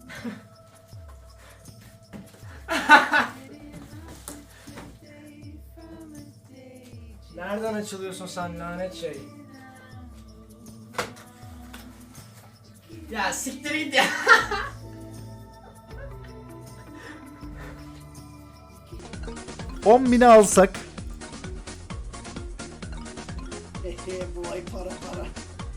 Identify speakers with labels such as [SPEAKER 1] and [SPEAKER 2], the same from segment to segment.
[SPEAKER 1] Nereden açılıyorsun sen lanet şey? Ya siktir git ya.
[SPEAKER 2] $10.000'i alsak.
[SPEAKER 1] Bu ay para para.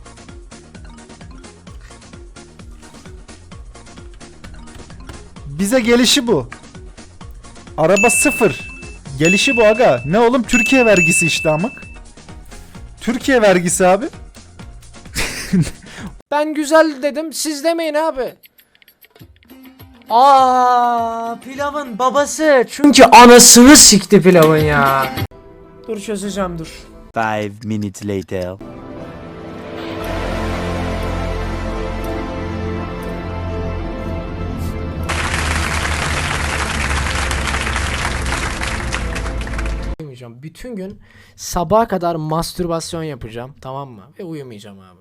[SPEAKER 2] Bize gelişi bu. Araba sıfır. Gelişi bu aga. Ne oğlum, Türkiye vergisi işte amık. Türkiye vergisi abi.
[SPEAKER 1] Ben güzel dedim, siz demeyin abi. Aa, pilavın babası. Çünkü anasını sikti pilavın ya. Dur çözeceğim dur.
[SPEAKER 3] 5 minutes later.
[SPEAKER 1] Uyumayacağım. Bütün gün sabaha kadar mastürbasyon yapacağım, tamam mı? Ve uyumayacağım abi.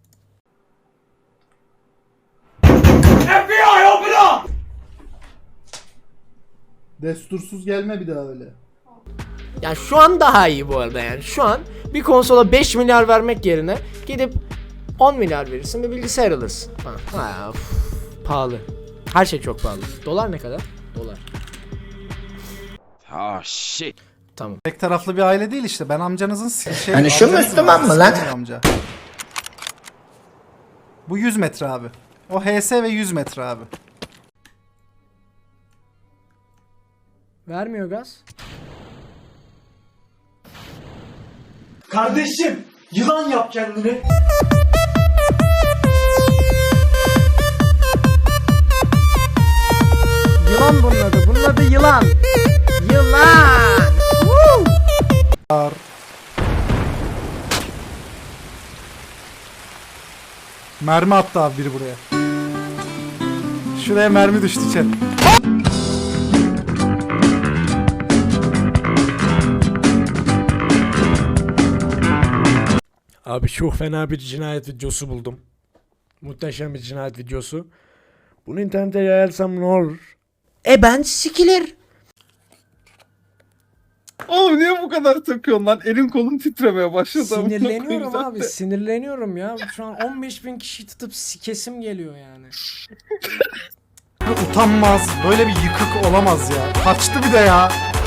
[SPEAKER 2] Destursuz gelme bir daha öyle.
[SPEAKER 1] Yani şu an daha iyi bu arada yani. Şu an bir konsola 5 milyar vermek yerine gidip 10 milyar verirsin ve bilgisayar alırsın. Ha, pahalı. Her şey çok pahalı. Dolar ne kadar? Dolar.
[SPEAKER 3] Oh shit.
[SPEAKER 1] Tamam.
[SPEAKER 2] Tek taraflı bir aile değil işte. Ben amcanızın şey...
[SPEAKER 4] Hani şu Müslüman mı lan?
[SPEAKER 2] Amca. Bu 100 metre abi. O HS ve 100 metre abi.
[SPEAKER 1] Vermiyor gaz.
[SPEAKER 5] Kardeşim, yılan yap kendini.
[SPEAKER 1] Yılan bunun adı. Bunun adı yılan. Yılan.
[SPEAKER 2] Mermi attı abi biri buraya. Şuraya mermi düştü chat.
[SPEAKER 1] Abi çok fena bir cinayet videosu buldum. Muhteşem bir cinayet videosu. Bunu internete yayarsam ne olur? Ben sikilir.
[SPEAKER 6] Oğlum niye bu kadar takıyorsun lan? Elin kolun titremeye başladı.
[SPEAKER 1] Sinirleniyorum abi, sinirleniyorum ya. Şu an 15.000 kişi tutup sikesim geliyor yani.
[SPEAKER 2] Utanmaz. Böyle bir yıkık olamaz ya. Kaçtı bir de ya.